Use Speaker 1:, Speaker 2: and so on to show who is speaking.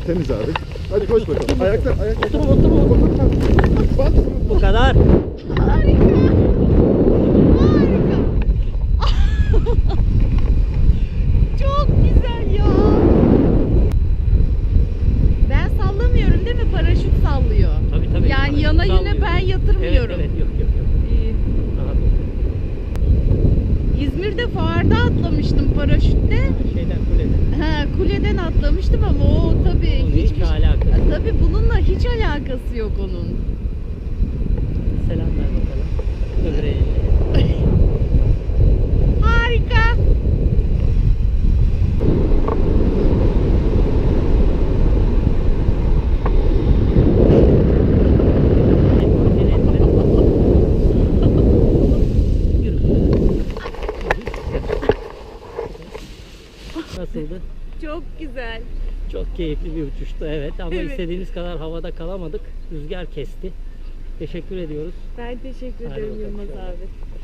Speaker 1: temiz abi. Hadi koş bakalım. Ayakta.
Speaker 2: Otur.
Speaker 1: Bak.
Speaker 2: Bu kadar.
Speaker 3: Harika. Harika. Çok güzel ya. Ben sallamıyorum değil mi? Paraşüt sallıyor.
Speaker 2: Tabii.
Speaker 3: Yani yana yine ben yatırmıyorum.
Speaker 2: Evet, yok.
Speaker 3: İyi.
Speaker 2: Rahat ol.
Speaker 3: İzmir'de fuarda atlamıştım paraşütle.
Speaker 2: Şeyden kuleden.
Speaker 3: Ha, kuleden atlamıştım ama o tabii
Speaker 2: Bunun
Speaker 3: hiçbir
Speaker 2: hiç alakası yok.
Speaker 3: Tabii bununla hiç alakası yok onun.
Speaker 2: Selam ver bakalım. Öbür elle.
Speaker 3: Harika.
Speaker 2: Nasıldı?
Speaker 3: Çok güzel.
Speaker 2: Çok keyifli bir uçuştu evet ama
Speaker 3: Evet.
Speaker 2: istediğimiz kadar havada kalamadık. Rüzgar kesti. Teşekkür ediyoruz.
Speaker 3: Ben teşekkür
Speaker 2: Hadi
Speaker 3: ederim
Speaker 2: bakalım
Speaker 3: Yılmaz
Speaker 2: şöyle.
Speaker 3: abi.